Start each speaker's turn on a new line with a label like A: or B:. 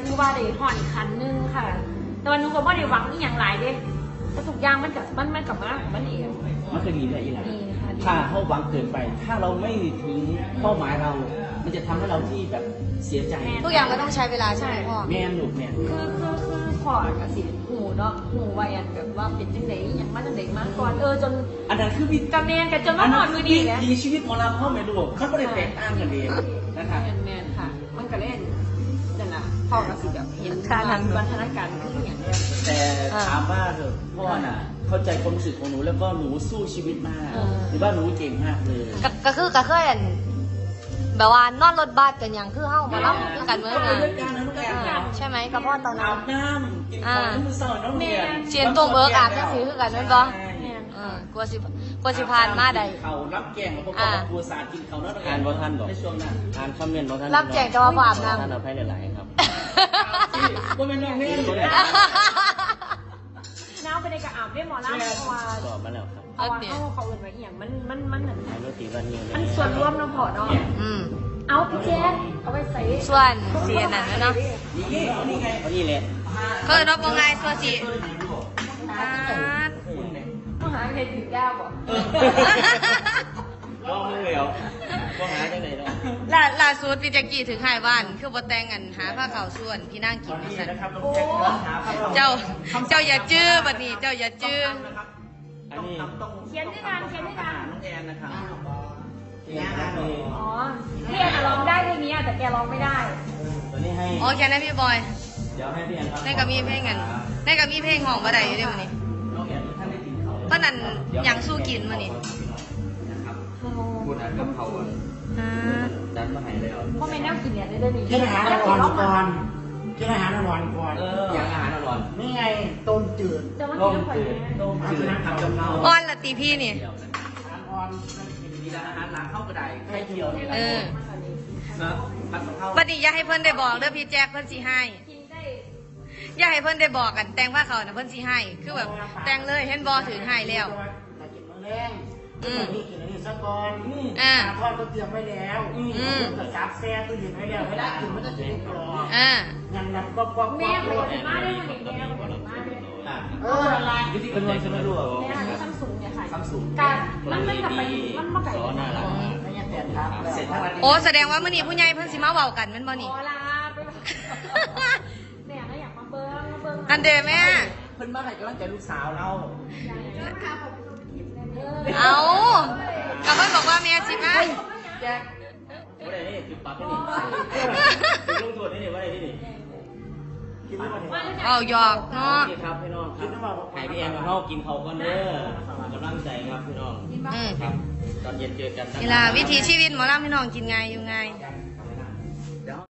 A: ถือว่าได้ห่อนคันนึงค่ะแต่วันนู้นก็ไม่ได้หวังนี่อย่างไรเด้แต่ทุกอย่างมันกับมาของมันเอง
B: มันคือดีได้อีหล่ะ
A: ดีค่ะ
B: ถ้าเขาหวังเกินไป ถ้าเราไม่ถึงเป้าหมายเรา มันจะทำให้เราที่แบบเสียใจ
C: ทุกอย่างมันต้องใช้เวลาใช่ไหมพ่อ
B: แม่ลูกแม่
A: คือพอกับสิหูเนาะหูวัยอันแบบว่าเป็นจังไดอย่างมาจังไดมาก่อนจน
B: อันนั้นคือวิธี
A: กับแมนกับจนมาหอดมือดีนะ
B: วิถีชีวิตของเราพ่อแม่ลูกเขาไม่ได้แตกต่างกันเองนะครับ
A: แมนค่ะ มันก็เล่นนั่นแหละพ่อกับสิแบบเห็นวัฒนการคืออย่างเนี้ย
B: แต่ถามว่าเถอะพ่อน่ะ เข้าใจความรู้สึกของหนูแล้วก็หนูสู้ชีวิตมากหรือว่าหนูเก่งมากเลย
C: ก็เคยแบบว่านอนรถบัสกันอย่างคือเฮ้ามาเล่าคือกันเมื่อไง
B: ด้วยกันนะลูกแอน
C: ใช่ไหมกับพ่อตอนนั้
B: อาน บน้ำกินข้าวมื้อเช้าน้องเรียน
C: เชียนตัวเบิกอาบจังสีคือกันนั่นบ่กลัวสิพานมาใด
B: เขารับแกงแล้วพวกเราครัวสารกินเขาเนาะ
D: อ่านบ่ทันดอก
B: ในช่วงนั้น
D: อ่านคอมเมนต์บ่ทัน
C: รับแจกแต่ว่าบ่อาบน้ำ
D: ท่านเอาให้หลายๆครับ
B: ว่าเป็นน้องเฮ้ย
A: น้าไปในกระอาบได้หมอล่าเพราะว่า
D: ตอบมาแล้วครับ
A: เพราะว่าเขาอื่นมาอย่างมันหนึ่ง
D: อ่านรถตีวันนี้เลย
A: มันส่วนร่วมน้ำพอเนาะ เอาพี่แจ๊คเอาไปใส่
C: ส่วนเสียนั่นเนาะ
B: นี่นี่ไง
D: เอานี่แหละ
C: เขาจะรับว่าไงส่วนสิ
A: ต้องหาใครถือยาวบ่
D: ลองเลยเหรอก็หาได้ไหนเนาะ
C: ล่าสุดพี่แจ็กกี้ถึงหายบ้านคือบ่แต่งกันหาผ้าขาวส่วนพี่นั่งกินมาสั่น
B: นะครับน้องแจ็คหาครับ
C: เจ้าอย่าจื้อบัดนี้เจ้าอย่าจื้อ
D: อันนี้
A: เขียนด้วยกันเขียนด้วยกัน
B: น้องแอนนะครับ
A: อ๋อพี่แอนร้องได้เพลงนี้แต่แกร้องไม่ได้
D: ตัวนี้ให้
C: โอเคนะพี่บอย
D: เดี๋ยวให้พี่แอนครับ
C: ในก็มีเพลงกันในก็มีเพลงของบ่ได้อยู่เด้มื้อนี้
B: น้องแอนท่านได้กินเขา
C: เพราะนั้นหยังสู้กินมื้อนี้
D: พูดอ่านกับเขาดันมาให้เลยเหรอ
A: เพราะไม่แน่ากินเนี่ยได้ด้วยนี่
E: กินอาหารอร่อยก่อนกินอาหารอร่อยก่อน
D: อย่างอาหารอร่อย
E: นี่ไงต้มจืด
A: จะมากินน้ำข่อยไหม
B: ต้มจืดทำกับเรา
C: อ้อนละตีพี่นี่
E: อาหารอ่อน
B: มีร้านอาหารหลังเข้ากระไดไข่เจียวนี่แหละ
C: เออ
B: นะผัดกะเพรา
C: บัดนี้อย่าให้เพิ่นได้บอกเด้อพี่แจ็คเพิ่นสิให้
A: กินได้
C: อย่าให้เพิ่นได้บอกกันแต่งว่าเขาน่ะเพิ่นสิให้ คือแบบแต่งเลยเห็นบ่ถือให้แล้ว
E: แต่กินมื้อแรงกินอันนี้กินอันนี้ซะก่อน
C: อ่า
E: ทอดก็เตรียมไว้แล้วก็ซับแซ่ตู้เย็นไว้แล้วเวลากินมันจะกินกรอบ
C: อ่า
E: ยังนับก็กรอบ
A: แม่
E: เล
A: ปก
E: ย
A: ติมาได้มันอย่างเงี้ยปกติมาได้
E: อะไร
B: วิธีการเงินใช่ไหมลูก
A: แม่ซัมซุงเนี่ยค่ะ
B: ซัมซุง
A: การมันกลับไปมันมาไก่
D: ซอน่ารัก
E: ไม่ยังแต่ครับ
B: เสร็จทั้งวัน
C: โอ้แสดงว่ามื้อนี้ผู้ใหญ่เพิ่นสิมาเว้ากันแม่นบ่นี่
A: ขอลาไปแม่ก็อยากมาเบิ้ง
C: อันเด้แม่
B: เพิ่นมาให้กำลังใจลูกสาวเรา
C: เอาก็เพิ่นบอกว่าแม่สิมา
B: แจ็คว่าอะไรนี่จุดปักนี่จุดลงตัวนี่ว่าอะไรนี่
E: กินไม่หมด
C: เอาหยอกเนาะ
D: นี่ครับพี่น้องครับให้พี่แอนมาเข้ากินเขาก่อนเด้อกำลังใจครับพี่น้อง ครับ ตอนเย็นเจอกันนะ
C: นี่ล่ะวิถีชีวิตหมอลำพี่น้องกินไงอยู่ไง